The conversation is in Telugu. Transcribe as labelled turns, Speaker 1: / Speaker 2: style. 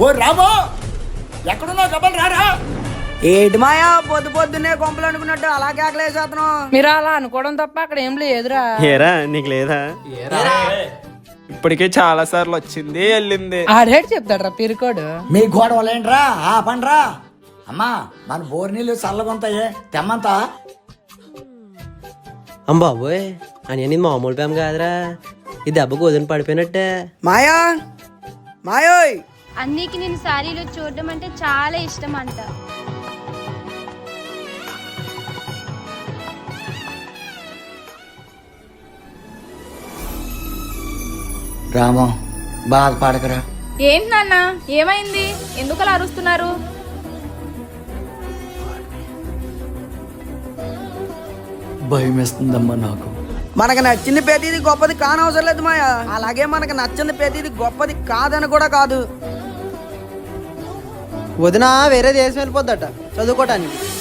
Speaker 1: ఓ రామో, ఎక్కడున్నా గబల్ రారా.
Speaker 2: ఏటి మాయా పొద్దు పొద్దున్నే కొంపలు అనుకున్నట్టు అలా కేకలేసేతను.
Speaker 3: మీరు అలా అనుకోవడం తప్ప అక్కడ ఏం లేదురా.
Speaker 4: ఏరా నీకు లేదా? ఇప్పటికే చాలా సార్లు వచ్చింది వెళ్ళింది.
Speaker 3: ఆడేటి చెప్తాడ్రా పిరికోడు.
Speaker 1: మీ గోడవలేంట్రా ఆ పండ్రా. అమ్మా మన బోర్ నీళ్ళు చల్లగుంటాయే తెమ్మంతా.
Speaker 5: బాబోయ్ అని నీ మామూలు ప్రేమ కాదురా, ఈ దెబ్బకు వదిలి పడిపోయినట్టే.
Speaker 2: మాయా మాయోయ్,
Speaker 6: అన్నీకి నేను శారీలో చూడడం అంటే చాలా ఇష్టం అంట.
Speaker 1: రామో బాధపడకరా.
Speaker 7: ఏంటి నాన్న, ఏమైంది? ఎందుకు అలా అరుస్తున్నారు?
Speaker 1: భయం వేస్తుందమ్మా నాకు.
Speaker 2: మనకు నచ్చింది ప్రతిది గొప్పది కానవసరం లేదు మాయా. అలాగే మనకు నచ్చింది ప్రతిది గొప్పది కాదని కూడా కాదు.
Speaker 5: వదిన వేరే దేశం వెళ్ళిపోద్దట చదువుకోవటానికి.